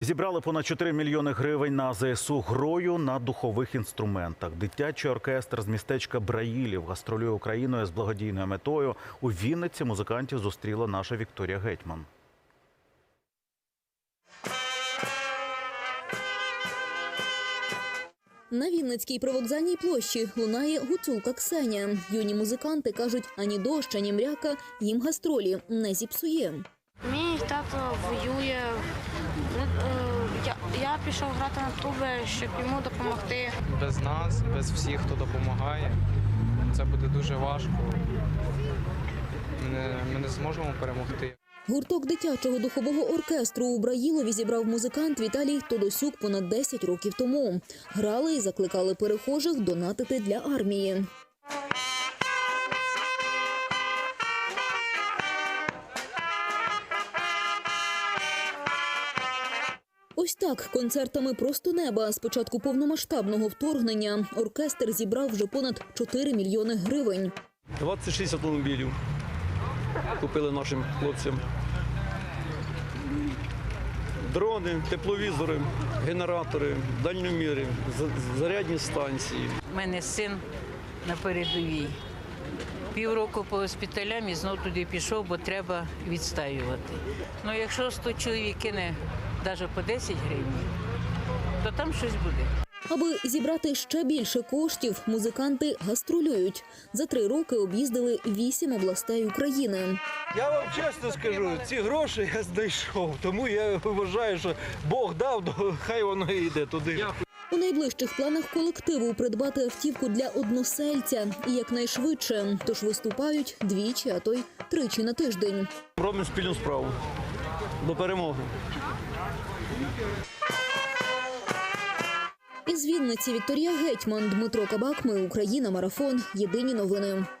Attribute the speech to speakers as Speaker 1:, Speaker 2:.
Speaker 1: Зібрали понад 4 мільйони гривень на ЗСУ грою на духових інструментах. Дитячий оркестр з містечка Браїлів гастролює Україною з благодійною метою. У Вінниці музикантів зустріла наша Вікторія Гетьман.
Speaker 2: На Вінницькій привокзальній площі лунає гуцулка Ксенія. Юні музиканти кажуть, ані дощ, ані мряка їм гастролі не зіпсує.
Speaker 3: Мій тато воює. Я пішов грати на труби, щоб йому допомогти.
Speaker 4: Без нас, без всіх, хто допомагає, це буде дуже важко. Ми не зможемо перемогти.
Speaker 2: Гурток дитячого духового оркестру у Браїлові зібрав музикант Віталій Тодосюк понад 10 років тому. Грали і закликали перехожих донатити для армії. Ось так, концертами «Просто неба» з початку повномасштабного вторгнення оркестр зібрав вже понад 4 мільйони гривень.
Speaker 5: 26 автомобілів купили нашим хлопцям. Дрони, тепловізори, генератори, дальньоміри, зарядні станції.
Speaker 6: У мене син на передовій. Півроку по госпіталям і знов туди пішов, бо треба відстаювати. Ну, якщо 100 чоловік кине навіть по 10 гривень, то там щось буде.
Speaker 2: Аби зібрати ще більше коштів, музиканти гастролюють. За 3 роки об'їздили 8 областей України.
Speaker 7: Я вам чесно скажу, ці гроші я знайшов, тому я вважаю, що Бог дав, хай воно і йде туди.
Speaker 2: У найближчих планах колективу придбати автівку для односельця і якнайшвидше. Тож виступають двічі, а то й 3 на тиждень.
Speaker 5: Робимо спільну справу. До перемоги.
Speaker 2: Із Вінниці Вікторія Гетьман, Дмитро Кабак. Ми Україна. Марафон. Єдині новини.